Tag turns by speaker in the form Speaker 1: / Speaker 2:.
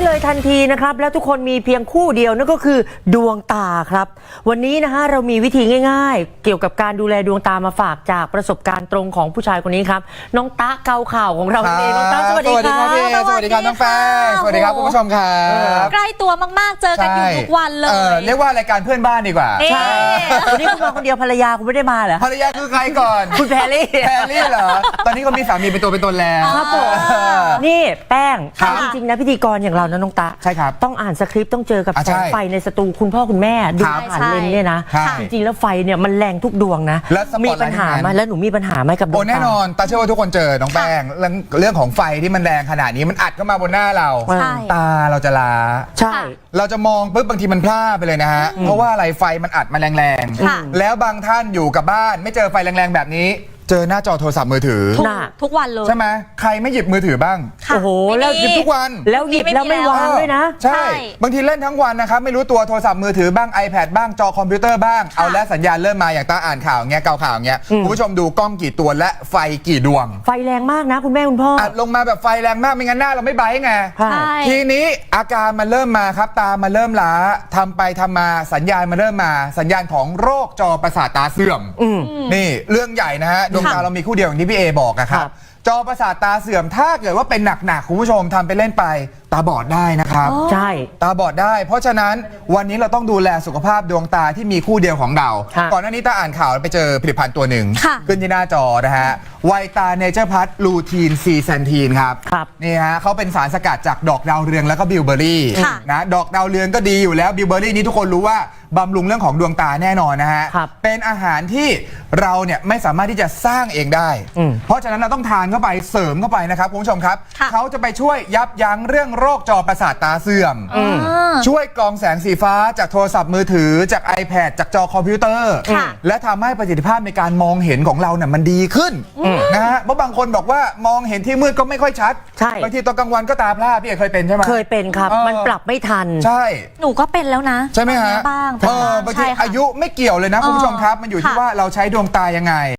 Speaker 1: เลยทันทีนะครับแล้วทุกคนมีเพียงคู่เดียวนั่นก็คือดวงตาครับวันนี้นะฮะเรามีวิธีง่ายๆเกี่ยวกับการดูแลดวงตามาฝากจากประสบการณ์ตรงของผู้ชายคนนี้ครับน้องตะเกาข่าวของเราเองน้องตะสวัสดีครับ
Speaker 2: สวัสดีครับน้องแป้งสวัสดีครับคุณผู้ชมครับ
Speaker 3: ใกล้ตัวมากๆเจอกันอยู่ทุกวันเลย
Speaker 2: เรียกว่ารายการเพื่อนบ้านดีกว่า
Speaker 1: ใช่วันนี้คุณมาคนเดียวภรรยาคุณไม่ได้มาเหรอ
Speaker 2: ภรรยาคือใครก่อน
Speaker 1: คุณแพรรี่
Speaker 2: เหรอตอนนี้เขามีสามีเป็นตัวเป็นตนแล้ว
Speaker 1: ครับผมนี่แป้งจริงๆนะพิธีกรอย่างเรานะน้องตะ
Speaker 2: ใช่ครับ
Speaker 1: ต้องอ่านสคริปต์ต้องเจอกับแสงไฟในสตูคุณพ่อคุณแม่ดูผ่านเลนเนี่ยนะจริงๆแล้วไฟเนี่ยมันแรงทุกดวงนะมีปัญหาไหมแล้วหนูมีปัญหาไหมกับดวงตา
Speaker 2: แน่นอนตาเชื่อว่าทุกคนเจอน้องแป้งเรื่องของไฟที่มันแรงขนาดนี้มันอัดเข้ามาบนหน้าเราตาเราจะล้า
Speaker 1: ใช่
Speaker 2: เราจะมองปุ๊บบางทีมันพลาดไปเลยนะฮะเพราะว่าอะไรไฟมันอัดมาแรงๆแล้วบางท่านอยู่กับบ้านไม่เจอไฟแรงๆแบบนี้เจอหน้าจอโทรศัพท์มือถือ
Speaker 3: ทุกวันเลย
Speaker 2: ใช่ไหมใครไม่หยิบมือถือบ้าง
Speaker 1: โอ้โหแล้ว
Speaker 2: หยิบทุกวัน
Speaker 1: แล้วหยิบแล้วไม่วางด้วยนะ
Speaker 2: ใช่บางทีเล่นทั้งวันนะครับไม่รู้ตัวโทรศัพท์มือถือบ้าง iPad บ้างจอคอมพิวเตอร์บ้างเอาแล้วสัญญาณเริ่มมาอย่างตาอ่านข่าวเงี้ยเกาข่าวเงี้ยคุณผู้ชมดูกล้องกี่ตัวและไฟกี่ดวง
Speaker 1: ไฟแรงมากนะคุณแม่คุณพ่อ
Speaker 2: อัดลงมาแบบไฟแรงมากไม่งั้นหน้าเราไม่ไบรท์ไงทีนี้อาการมันเริ่มมาครับตามันเริ่มล้าทำไปทำมาสัญญาณมันเริ่มมาสัญญาณของโรคจอประสาทตาเสื่อมนี่เรื่องใหญ่นะฮะดวงตาเรามีคู่เดียวอย่างที่พี่เอบอกนะครับจอประสาทตาเสื่อมถ้าเกิดว่าเป็นหนักๆคุณผู้ชมทำไปเล่นไปตาบอดได้นะครับ
Speaker 1: ใช่
Speaker 2: ตาบอดได้เพราะฉะนั้นวันนี้เราต้องดูแลสุขภาพดวงตาที่มีคู่เดียวของเราก่อนหน้านี้ตาอ่านข่าวไปเจอผลิตภัณฑ์ตัวหนึ่งขึ้นที่หน้าจอนะฮะไวตาเนเจอร์พัทลูทีนซีแซนทีนครับนี่ฮะเขาเป็นสารสกัดจากดอกดาวเรืองแล้วก็บิวเบอรี่นะดอกดาวเรืองก็ดีอยู่แล้วบิวเบอรี่นี้ทุกคนรู้ว่าบำรุงเรื่องของดวงตาแน่นอนนะฮะเป็นอาหารที่เราเนี่ยไม่สามารถที่จะสร้างเองได้เพราะฉะนั้นเราต้องทานเข้าไปเสริมเข้าไปนะครับคุณผู้ชมครับเขาจะไปช่วยยับยั้งเรื่องโรคจอประสาทตาเสื่อมช่วยกรองแสงสีฟ้าจากโทรศัพท์มือถือจาก iPad จากจอคอมพิวเตอร์และทำให้ประสิทธิภาพในการมองเห็นของเราเนี่ยมันดีขึ้นนะฮะเพราะบางคนบอกว่ามองเห็นที่มืดก็ไม่ค่อยชัดบางทีตอนกลางวันก็ตาพร่าพี่เคยเป็นใช่ไหม
Speaker 1: เคยเป็นครับมันปรับไม่ทัน
Speaker 2: ใช่
Speaker 3: หนูก็เป็นแล้วนะ
Speaker 2: ใช่ไหมฮะ
Speaker 3: บ้าง
Speaker 2: บางทีอายุไม่เกี่ยวเลยนะคุณผู้ชมครับมันอยู่ที่ว่าเราใช้ดวงตายังไง